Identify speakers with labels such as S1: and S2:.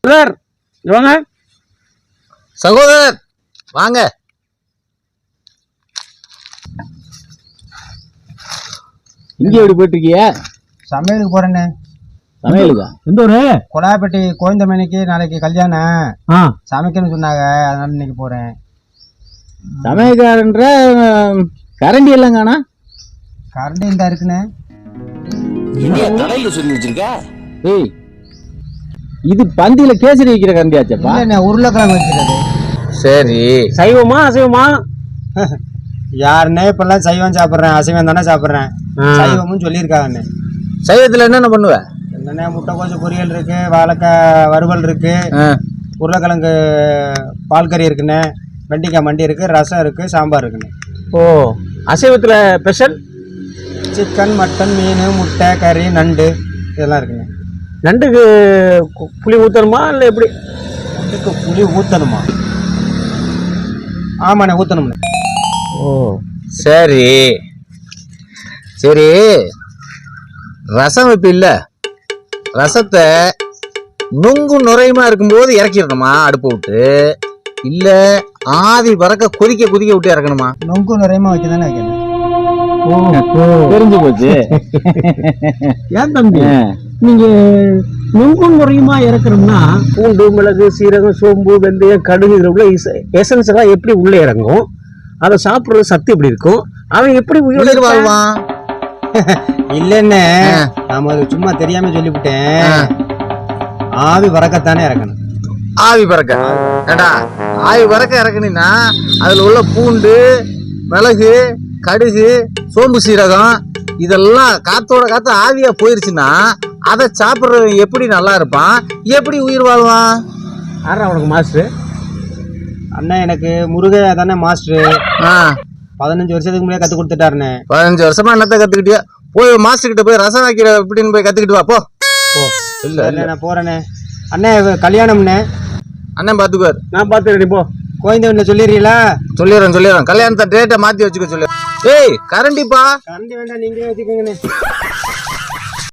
S1: Sir வாங்க.
S2: சகோதரர் வாங்க.
S1: இங்கே எப்படி போயிட்டு இருக்கிய?
S3: சமையலுக்கு போறேன்னு.
S1: சமையலுக்கா? எந்த ஊரு?
S3: கொலாப்பட்டி கோயந்தமணிக்கு நாளைக்கு கல்யாணம். சமைக்கணும்னு சொன்னாங்க, அதனால இன்னைக்கு போறேன்.
S1: சமையல்காரன்ற கரண்டி எல்லாம் காணா?
S3: கரண்ட் இந்த இருக்குண்ணே.
S2: சொல்லி வச்சிருக்க.
S1: ஏய், இது பந்தியில கேசரி வைக்கிற கரண்டியாச்சப்பா.
S3: உருளைக்கிழங்கு வச்சுக்கிறது.
S2: சரி,
S1: சைவமா அசைவமா?
S3: யாருன்னே இப்பெல்லாம் சைவம் சாப்பிட்றேன், அசைவம் தானே சாப்பிட்றேன். சைவமும் சொல்லியிருக்காங்கண்ணே.
S2: சைவத்துல என்னென்ன பண்ணுவ?
S3: என்னண்ணே, முட்டைக்கோசு பொரியல் இருக்கு, வாழைக்காய் வறுவல் இருக்கு, உருளைக்கிழங்கு பால் கறி இருக்குண்ணே, வெண்டிக்காய் மண்டி இருக்கு, ரசம் இருக்கு, சாம்பார் இருக்குண்ணே.
S1: ஓ, அசைவத்துல ஸ்பெஷல்
S3: சிக்கன், மட்டன், மீன், முட்டை, கறி, நண்டு இதெல்லாம் இருக்குண்ணே.
S1: நண்டுக்கு புளி ஊத்தணுமா இல்லை எப்படி?
S3: நண்டுக்கு புளி ஊற்றணுமா? ஆமாண்ணே, ஊற்றணும்ண்ணே.
S1: ஓ
S2: சரி சரி. ரசம் வைப்பு இல்ல, ரசத்தை நுங்கு நுரையுமா இருக்கும்போது இறக்கிடணுமா அடுப்பு விட்டு, இல்ல ஆவி பறக்க கொதிக்க கொதிக்க விட்டு இறக்கணுமா?
S3: நொங்கு நிறையமா வைக்க தானே வைக்கணும்.
S1: தெரிஞ்சு போச்சு. ஏன் தம்பி நீங்க நுங்கும் முறையுமா இறக்கணும்னா பூண்டு, மிளகு, சீரகம், சோம்பு, வெந்தயம், கடுகு இதுல உள்ள எசன்ஸ் எல்லாம் எப்படி உள்ள இறங்கும்? அதை சாப்பிடுறது சத்து எப்படி இருக்கும்? அவன் எப்படி உயிர்
S2: வாழ்வான்?
S3: இல்லன்னு நாம சும்மா தெரியாம சொல்லிவிட்டேன். ஆவி பறக்கத்தானே இறக்கணும்.
S2: ஆவி பறக்க ஏடா, ஆவி பறக்க இறக்கணும்னா அதுல உள்ள பூண்டு, மிளகு, கடுகு, சோம்பு, சீரகம் இதெல்லாம் காத்தோட காத்து ஆவியா போயிருச்சுன்னா அதை சாப்பிட்றவன் எப்படி நல்லா இருப்பான், எப்படி உயிர் வாழ்வான்?
S1: யாரா உனக்கு மாஸ்டர்?
S3: அண்ணன் எனக்கு முருகை தானே மாஸ்டர். 15 வருஷத்துக்கு முன்னாடியே கத்து கொடுத்துட்டாருண்ணே.
S2: 15 வருஷமா என்னத்த கத்துக்கிட்டியா? போய் மாஸ்டர் கிட்ட போய் ரசம் வைக்கிற எப்படின்னு போய் கத்துக்கிட்டு வா போ.
S3: இல்ல நான் போறேனே. அண்ணே கல்யாணம்ண்ணே.
S2: அண்ணன் பாத்துக்குவார்.
S1: நான் பாத்துக்கிறேன். போ
S3: கோயந்தவன்ல சொல்லிடுறீங்களா?
S2: சொல்லிடுறேன். கல்யாணத்தை டேட்டை மாத்தி வச்சுக்க சொல்லு. ஏய் கரண்டிப்பா.
S3: கரண்டி வேண்டாம், நீங்களே வச்சுக்கோங்கண்ணே.